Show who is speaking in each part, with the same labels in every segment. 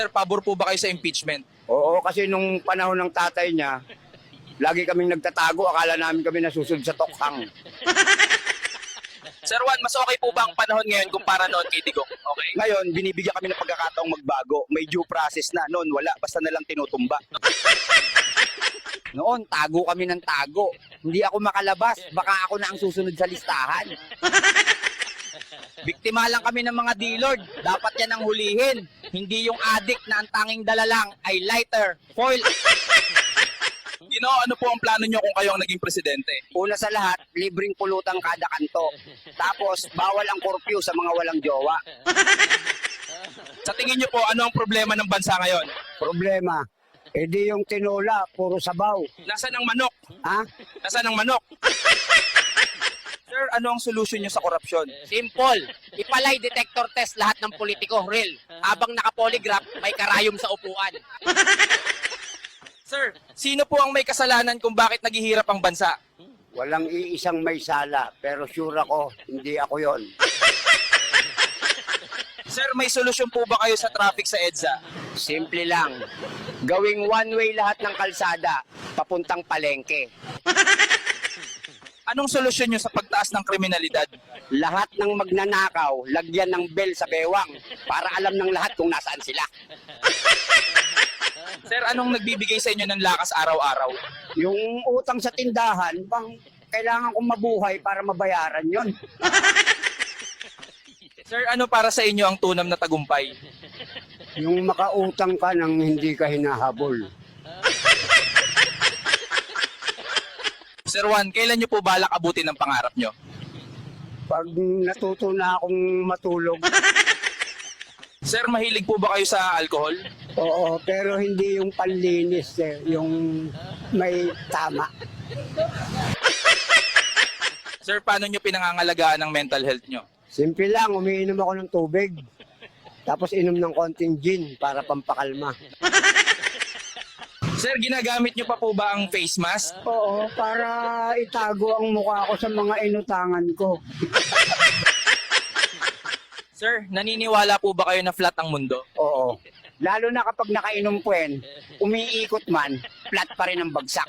Speaker 1: Sir, pabor po ba kayo sa impeachment?
Speaker 2: Oo, kasi nung panahon ng tatay niya, lagi kaming nagtatago, akala namin kami nasusunod sa tokhang.
Speaker 1: Sir Juan, mas okay po ba ang panahon ngayon kumpara noon kay Digong? Okay?
Speaker 2: Ngayon, binibigyan kami ng pagkakataong magbago. May due process na. Noon, wala. Basta na lang tinutumba. Noon, tago kami ng tago. Hindi ako makalabas. Baka ako na ang susunod sa listahan. Biktima lang kami ng mga D-Lord. Dapat yan ang hulihin. Hindi yung addict na ang tanging dala lang ay lighter, foil.
Speaker 1: Ano po ang plano nyo kung kayo ang naging presidente?
Speaker 2: Una sa lahat, libreng pulutang kada kanto. Tapos, bawal ang curfew sa mga walang jowa.
Speaker 1: Sa tingin nyo po, ano ang problema ng bansa ngayon?
Speaker 2: Problema, edi yung tinola, puro sabaw.
Speaker 1: Nasaan ang manok?
Speaker 2: Ha?
Speaker 1: Nasaan ang manok? Sir, ano ang solusyon nyo sa korupsyon?
Speaker 3: Simple. Ipalay detector test lahat ng politiko, real. Habang naka-polygraph, may karayom sa upuan.
Speaker 1: Sir, sino po ang may kasalanan kung bakit naghihirap ang bansa?
Speaker 2: Walang iisang may sala, pero sure ako, hindi ako yon.
Speaker 1: Sir, may solusyon po ba kayo sa traffic sa EDSA?
Speaker 2: Simple lang. Gawing one-way lahat ng kalsada, papuntang palengke.
Speaker 1: Anong solusyon nyo sa pagtaas ng kriminalidad?
Speaker 2: Lahat ng magnanakaw, lagyan ng bell sa bewang para alam ng lahat kung nasaan sila.
Speaker 1: Sir, anong nagbibigay sa inyo ng lakas araw-araw?
Speaker 2: Yung utang sa tindahan, bang kailangan kong mabuhay para mabayaran yon.
Speaker 1: Sir, ano para sa inyo ang tunam na tagumpay?
Speaker 2: Yung makautang ka nang hindi ka hinahabol.
Speaker 1: Sir Juan, kailan nyo po balak abutin ang pangarap nyo?
Speaker 2: Pag natuto na akong matulog,
Speaker 1: Sir, mahilig po ba kayo sa alcohol?
Speaker 2: oo, pero hindi yung panlinis, yung may tama.
Speaker 1: Sir, paano nyo pinangangalagaan ang mental health nyo?
Speaker 2: Simple lang, umiinom ako ng tubig. Tapos inom ng konting gin para pampakalma.
Speaker 1: Sir, ginagamit nyo pa po ba ang face mask?
Speaker 2: Oo, para itago ang mukha ko sa mga inutangan ko.
Speaker 1: Sir, naniniwala po ba kayo na flat ang mundo?
Speaker 2: Oo. Lalo na kapag nakainom puwen, umiikot man, flat pa rin ang bagsak.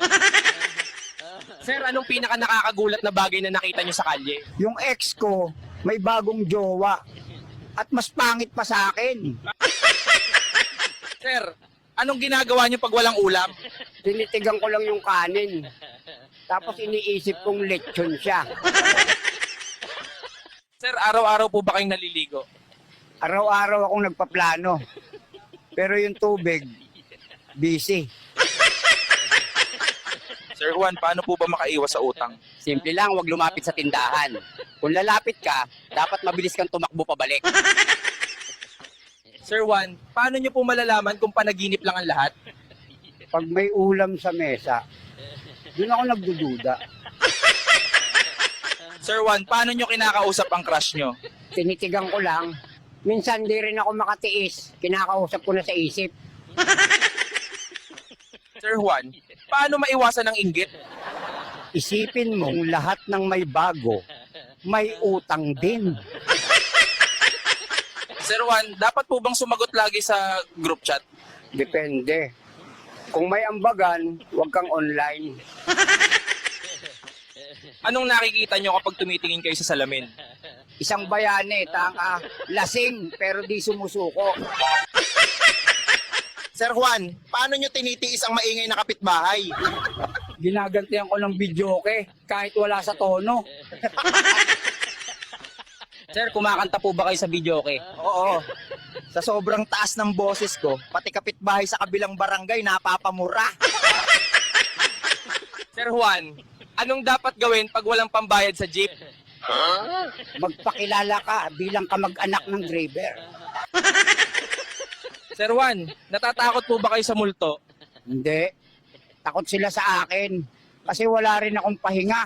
Speaker 1: Sir, anong pinaka nakakagulat na bagay na nakita nyo sa kalye?
Speaker 2: Yung ex ko, may bagong jowa. At mas pangit pa sa akin.
Speaker 1: Sir, anong ginagawa nyo pag walang ulam?
Speaker 2: Tinitigan ko lang yung kanin. Tapos iniisip kong lechon siya.
Speaker 1: Sir, araw-araw po ba kayong naliligo?
Speaker 2: Araw-araw akong nagpaplano. Pero yung tubig, busy.
Speaker 1: Sir Juan, paano po ba makaiwas sa utang?
Speaker 3: Simple lang, huwag lumapit sa tindahan. Kung lalapit ka, dapat mabilis kang tumakbo pabalik.
Speaker 1: Sir Juan, paano nyo po malalaman kung panaginip lang ang lahat?
Speaker 2: Pag may ulam sa mesa, doon ako nagdududa.
Speaker 1: Sir Juan, paano nyo kinakausap ang crush nyo?
Speaker 2: Tinitigan ko lang. Minsan di rin ako makatiis. Kinakausap ko na sa isip.
Speaker 1: Sir Juan, paano maiwasan ang inggit?
Speaker 2: Isipin mo, lahat ng may bago, may utang din.
Speaker 1: Sir Juan, dapat po bang sumagot lagi sa group chat?
Speaker 2: Depende. Kung may ambagan, huwag kang online.
Speaker 1: Anong nakikita nyo kapag tumitingin kayo sa salamin?
Speaker 2: Isang bayane, tanga, lasing, pero di sumusuko.
Speaker 1: Sir Juan, paano nyo tinitiis ang maingay na kapitbahay?
Speaker 2: Ginagantihan ko ng videoke, kahit wala sa tono.
Speaker 3: Sir, kumakanta po ba kayo sa videoke?
Speaker 2: Oo. Sa sobrang taas ng boses ko, pati kapitbahay sa kabilang barangay napapamura.
Speaker 1: Sir Juan, anong dapat gawin pag walang pambayad sa jeep?
Speaker 2: Magpakilala ka bilang kamag-anak ng driver.
Speaker 1: Sir Juan, natatakot po ba kayo sa multo?
Speaker 2: Hindi. Takot sila sa akin. Kasi wala rin akong pahinga.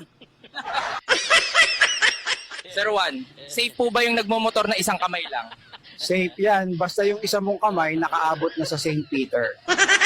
Speaker 1: Sir Juan, safe po ba yung nagmomotor na isang kamay lang?
Speaker 2: Safe yan. Basta yung isa mong kamay nakaabot na sa St. Peter.